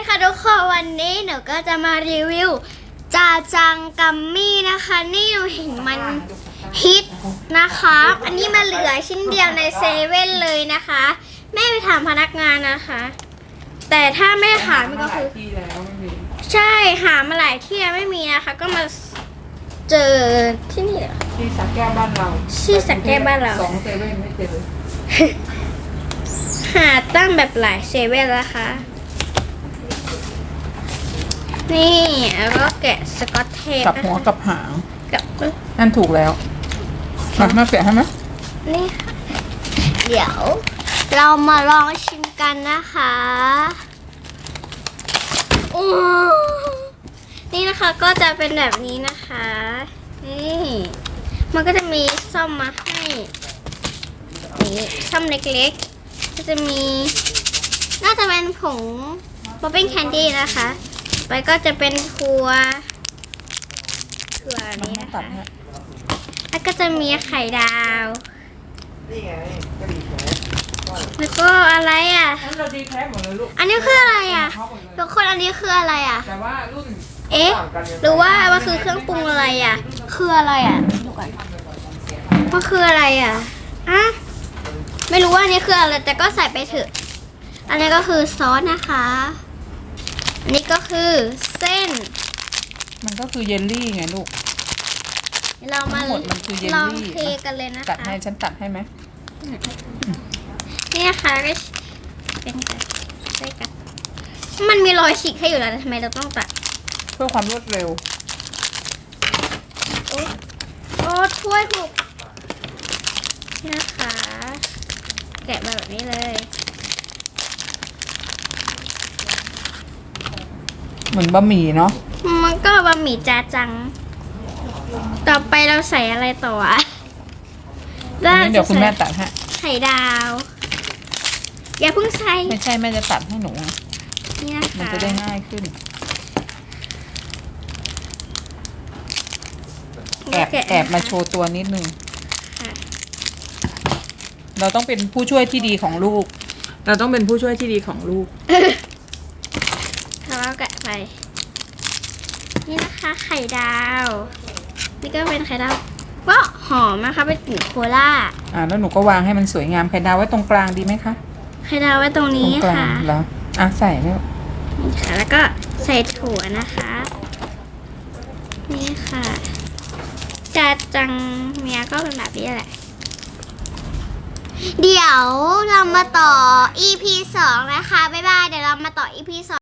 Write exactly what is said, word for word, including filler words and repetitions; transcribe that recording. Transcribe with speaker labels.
Speaker 1: ค่ะทุกคนวันนี้หนูก็จะมารีวิวจาจังกัมมี่นะคะนี่หนูเห็นมันฮิตนะคะอันนี้มาเหลือชิ้นเดียวในเซเว่นเลยนะคะแม่ไปถามพนักงานนะคะแต่ถ้าไม่หามันก็คือใช่หามาหลายที่แล้วไม่มีนะคะก็มาเจอที่นี่
Speaker 2: ที่สักแก้วบ้านเรา
Speaker 1: ที่สักแก้วบ้านเรา
Speaker 2: สองเซเว่นไม่เจอ
Speaker 1: หาตั้งแบบหลายเซเว่นแล้วค่ะนี่แล้วก็แกะสกอตเทป
Speaker 2: กับหัวกับหาง
Speaker 1: กับ
Speaker 2: นั่นถูกแล้วมามาแกะให้ไหม
Speaker 1: นี่ค่ะเดี๋ยวเรามาลองชิมกันนะคะอู้นี่นะคะก็จะเป็นแบบนี้นะคะนี่มันก็จะมีซ่อมมาให้นี่ซ่อมเล็กๆก็จะมีน่าจะเป็นผงป๊อปปิ้งแคนดี้นะคะไปก็จะเป็นถั่วถั่วนี้นะคะแล้วก็จะมีไข่ดาวแล้วก็อะไรอ่ะอันนี้คืออะไรอ่ะทุกคนอันนี้คืออะไรอ่ะ
Speaker 2: แต่ว่ารุ่น
Speaker 1: เอ๊ะหรือว่ามันคือเครื่องปรุงอะไรอ่ะคืออะไรอ่ะดูก่อนมันคืออะไรอ่ะอ่ะไม่รู้ว่าอันนี้คืออะไรแต่ก็ใส่ไปเถอะอันนี้ก็คือซอสนะคะอันนี้ก็คือเส้น
Speaker 2: มันก็คือเยลลี่ไงลูก
Speaker 1: เรามา
Speaker 2: หมดมันคือเยลลี่
Speaker 1: ลองเทกันเลยนะคะ
Speaker 2: ตัดให้ฉันตัดให้ไหม
Speaker 1: นี่นะคะก็เป็นกันใช่กันมันมีรอยฉีกให้อยู่แล้วทำไมเราต้องตัด
Speaker 2: เพื่อความรวดเร็ว
Speaker 1: โอ้โอ้ถ้วยหกนี่นะคะแกะมาแบบนี้เลย
Speaker 2: เหมือนบะหมี่เนาะ
Speaker 1: มันก็บะหมี่จาจังต่อไปเราใส่อะไรต่ออ่ะ
Speaker 2: เดี๋ยวคุณแม่ตัดให้
Speaker 1: ไข่ดาวอย่าเพิ่งใส่
Speaker 2: ไม่ใช่แม่จะตัดให้หนู
Speaker 1: นี่นะคะ
Speaker 2: มันจะได้ง่ายขึ้นแอบแอบมาโชว์ตัวนิดนึงเราต้องเป็นผู้ช่วยที่ดีของลูกเราต้องเป็นผู้ช่วยที่ดีของลูก
Speaker 1: แล้วก็แกะไปนี่นะคะไข่ดาวนี่ก็เป็นไข่ดาวว้าหอมนะคะเป็นกลิ่นโคล่า
Speaker 2: อ่าแล้วหนูก็วางให้มันสวยงามไข่ดาวไว้ตรงกลางดีไหมคะ
Speaker 1: ไข่ดาวไว้ตรงนี้ค่ะ
Speaker 2: แล้วอ่ะใส่แล้ว
Speaker 1: นี่ค่ะแล้วก็ใส่ถั่วนะคะนี่ค่ะจาจังเมียก็เป็นแบบนี้แหละเดี๋ยวเรามาต่อ อี พี สองนะคะบ๊ายบายเดี๋ยวเรามาต่อ อี พี สอง